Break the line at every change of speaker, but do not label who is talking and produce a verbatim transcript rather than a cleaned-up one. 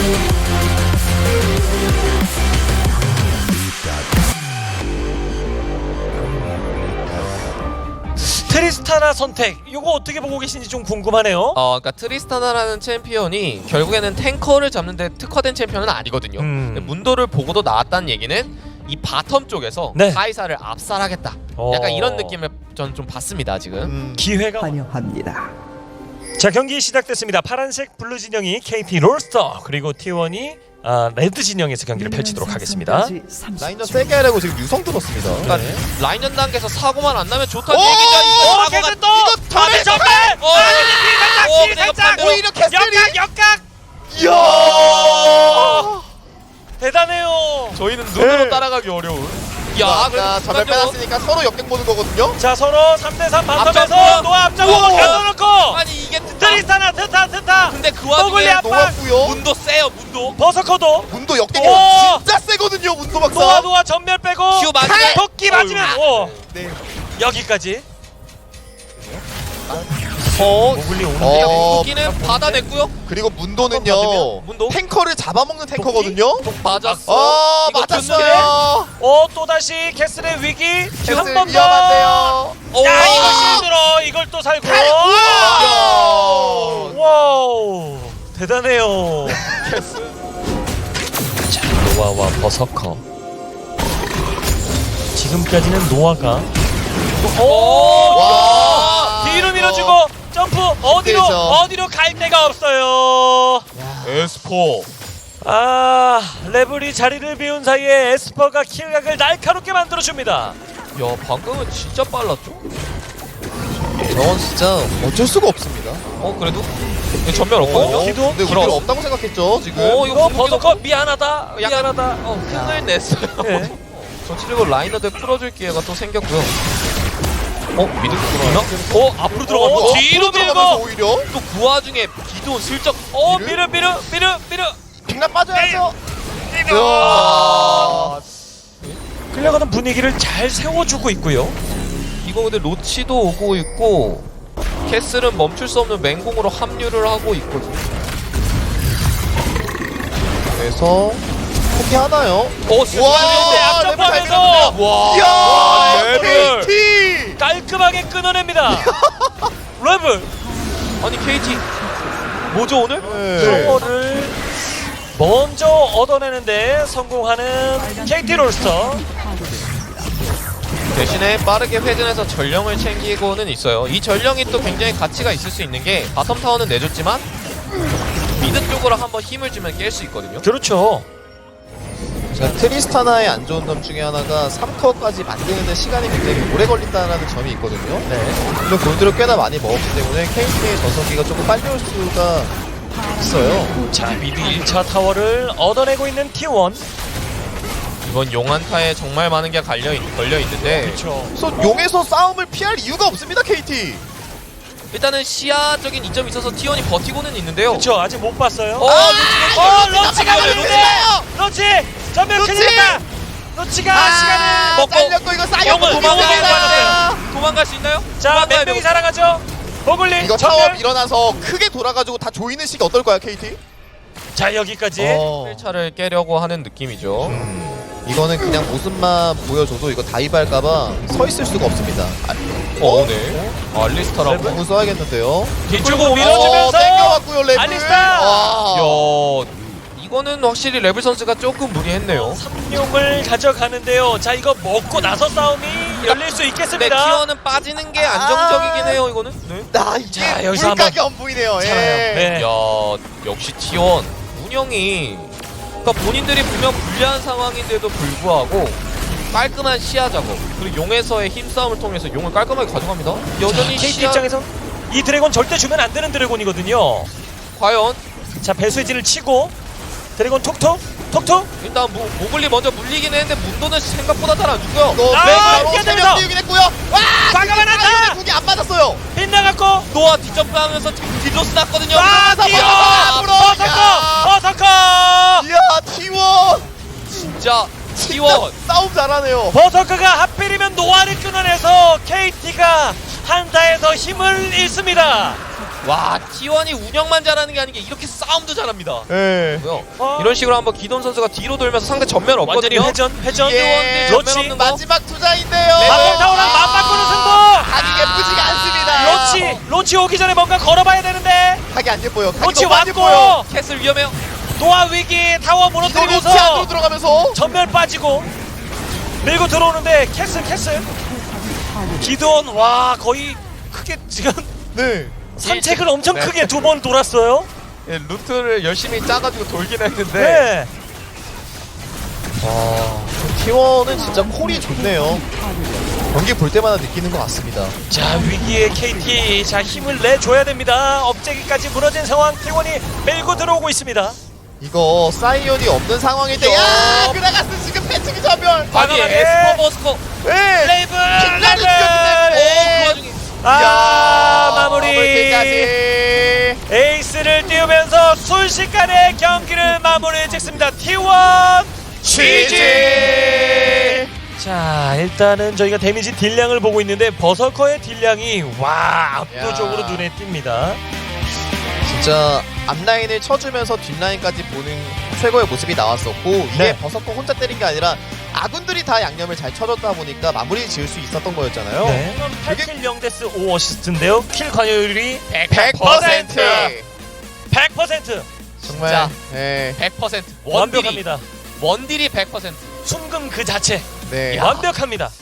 트리스타나 선택 이거 어떻게 보고 계신지 좀 궁금하네요.
어, 그러니까 트리스타나라는 챔피언이 결국에는 탱커를 잡는데 특화된 챔피언은 아니거든요.
음.
근데 문도를 보고도 나왔다는 얘기는 이 바텀 쪽에서
네.
카이사를 압살하겠다.
어.
약간 이런 느낌을 저는 좀 봤습니다 지금.
음.
기회가
환영합니다.
자 경기 시작됐습니다. 파란색 블루 진영이 케이티 롤스터 그리고 티 원이 아, 레드 진영에서 경기를 펼치도록 하겠습니다.
라인전 세게 하려고 지금 유성 들었습니다.
그러니까
네.
라인전 단계에서 사고만 안 나면 좋다는
오!
얘기죠. 이거
어,
사고가
캐슬 또!
이거
전멸 전멸!
어,
아,
어,
뒤
내가
살짝!
반대로
오히려 캐슬이
역각 역각!
이야.
대단해요. 저희는 눈으로
네.
따라가기 어려운. 야,
아까 전멸
그래도
빼놨으니까 서로 역행 보는 거거든요.
자 서로 삼 대 삼
앞장서!
바텀에서 노아 앞장으로
우와!
가둬놓고
아니 이게 트타.
트리스타나 트타 트타
근데 그
뽀글리
와중에
앞-
노았고요.
문도 세요 문도.
버서커도
문도 역행
오!
진짜 세거든요. 문도 박사.
노아 노아 전멸 빼고
큐 맞으면
토끼 맞으면 오
네.
여기까지
어,
모글리 오는데
어.
토끼는 받아냈고요.
그리고 문도는요.
받으면 문도?
탱커를 잡아먹는 탱커거든요.
맞았어.
아
이거
맞았어요.
어 또다시 캐슬의 위기
캐슬
한 번 더
위험한데요.
오.
야 이거 힘들어 이걸 또 살고
우와.
와우 대단해요 자 노아와 버서커 지금까지는 노아가 오
와.
뒤로 밀어주고 점프 어디로
그렇죠.
어디로 갈 데가 없어요
에스포.
아 레블이 자리를 비운 사이에 에스퍼가 킬각을 날카롭게 만들어줍니다
야 방금은 진짜 빨랐죠?
저건 진짜 어쩔 수가 없습니다.
어 그래도 이거 전멸 없거든요.
어? 기도?
근데 우리가
그럼.
없다고 생각했죠 지금.
어
이거
이거
버서커 미안하다
약간-
미안하다
어 흥을 냈어요.
네.
전체적으로 라이너들 풀어줄 기회가 또 생겼고요. 어 미드 들어가나? 어 앞으로 들어가고
어,
뒤로
들어가면서
밀고
오히려
또 그 와중에 기도 슬쩍
어
미르?
미르 미르 미르 미르
빅나 빠져야죠.
미르
아.
끌려가는 분위기를 잘 세워주고 있고요
이거 근데 로치도 오고 있고 캐슬은 멈출 수 없는 맹공으로 합류를 하고 있거든요.
그래서 포기하나요?
어
와,
네, 앞점프하면서
와
이야
레벨.
케이티.
깔끔하게 끊어냅니다 레블
아니 케이티 뭐죠 오늘?
네.
저거를 먼저 얻어내는데 성공하는 케이티 롤스터
대신에 빠르게 회전해서 전령을 챙기고는 있어요. 이 전령이 또 굉장히 가치가 있을 수 있는 게 바텀 타워는 내줬지만 미드 쪽으로 한번 힘을 주면 깰 수 있거든요.
그렇죠
자, 트리스타나의 안 좋은 점 중에 하나가 삼 코어까지 만드는 시간이 굉장히 오래 걸린다는 점이 있거든요.
네.
물론 골드를 꽤나 많이 먹었기 때문에 케이티의 전성기가 조금 빨리 올 수가 있어요.
자 미드 일 차 타워를 얻어내고 있는 티 원
이번 용한타에 정말 많은 게 갈려 있, 걸려 있는데
그렇죠
그래서 용에서 싸움을 피할 이유가 없습니다, 케이티.
일단은 시야적인 이점이 있어서 티원이 버티고는 있는데요.
그렇죠 아직 못 봤어요
어,
어
아,
러치가
왜
걸리는데 러치 전멸
러치!
큰일났다 러치가 시간을
먹고
잘렸고 이거 쌓였고
용을
도망가야
도망갈 수 있나요?
자 몇
도망가야
명이
되고.
살아가죠 버글리
이거
전멸
타워 일어나서 크게 돌아가지고 다 조이는 시기 어떨까요, 케이티?
자 여기까지
어.
일 차를 깨려고 하는 느낌이죠.
이거는 그냥 모습만 보여줘도 이거 다이브할까봐 서 있을 수가 없습니다. 아,
어, 네. 알리스타라고.
공을 써야겠는데요.
뒤쪽으로
어,
밀어주면서
땡겨왔고요, 랩을.
알리스타!
와.
야, 이거는 확실히 레벨 선수가 조금 무리했네요.
삼룡을 가져가는데요 자 이거 먹고 나서 싸움이 열릴 수
근데
있겠습니다
티원은 빠지는 게 안정적이긴 해요, 이거는. 네.
나 이게
자, 여기서
물가게 안 보이네요.
살아요.
예.
네.
야, 역시 티원 운영이 그러니까 본인들이 분명 불리한 상황인데도 불구하고 깔끔한 시야 작업 그리고 용에서의 힘싸움을 통해서 용을 깔끔하게 가져갑니다. 여전히
케이티
시야
입장에서 이 드래곤 절대 주면 안 되는 드래곤이거든요
과연
자 배수진을 치고 드래곤 톡톡 톡톡
일단 모, 모글리 먼저 물리긴 했는데 문도는 생각보다 잘 안 죽고요.
너
아,
바로
이겨내면서!
세명 띄우긴 했고요. 와!
과감한 안타!
무기 안 맞았어요.
빗나갔고
노아 뒷점프하면서 딜로스 났거든요.
아
뛰어!
뛰어
앞으로!
버서커 버서커
이야, 티원.
진짜
진짜
티원
싸움 잘하네요.
버서커가 하필이면 노아를 끊어내서 케이티가 한타에서 힘을 잃습니다
와 티원이 운영만 잘하는 게 아닌 게 이렇게 싸움도 잘합니다.
예.
뭐요?
어?
이런 식으로 한번 기돈 선수가 뒤로 돌면서 상대 전면
완전히
없거든요.
회전 회전
예.
전면
그렇지.
없는 거.
마지막 투자인데요.
마법타워랑 맞바꾸는 승부.
하기 예쁘지가 않습니다.
로치 로치 오기 전에 뭔가 걸어봐야 되는데
하기 안 예뻐요. 하기
로치
너무 안 예뻐요.
왔고
캐슬 위험해요.
노아 위기 타워
이거 로치 안으로
무너뜨리면서
들어가면서
전면 빠지고 밀고 들어오는데 캐슬 캐슬 기돈 와 거의 크게 지금
네.
산책을 엄청
네.
크게 두 번 돌았어요.
예, 루트를 열심히 짜가지고 돌긴 했는데
네.
아, 티원은 진짜 콜이 좋네요. 경기 볼 때마다 느끼는 것 같습니다.
자 위기의 케이티 자 힘을 내줘야 됩니다. 업체기까지 무너진 상황 티원이 밀고 들어오고 있습니다.
이거 사이언이 없는 상황일 때, 야, 그라가스 지금 패치기 전멸.
아니
과감하게.
에스퍼 버스커
네.
레이븐
빅라를
레이븐
이겼는데.
오그 와중에
아 마무리
까지
에이스를 띄우면서 순식간에 경기를 마무리 짓습니다. 티원
지지.
자 일단은 저희가 데미지 딜량을 보고 있는데 버서커의 딜량이 와 압도적으로
야.
눈에 띕니다.
진짜 앞라인을 쳐주면서 뒷라인까지 보는 최고의 모습이 나왔었고, 이게
네.
버섯코 혼자 때린 게 아니라 아군들이 다 양념을 잘 쳐줬다 보니까 마무리 지을 수 있었던 거였잖아요.
네. 팔 킬 영 데스 오 어시스트인데요. 킬 관여율이
백 퍼센트.
백 퍼센트
정말
진짜.
네.
백 퍼센트 원딜이
완벽합니다.
원딜이 백 퍼센트.
순금 그 자체
네.
완벽합니다.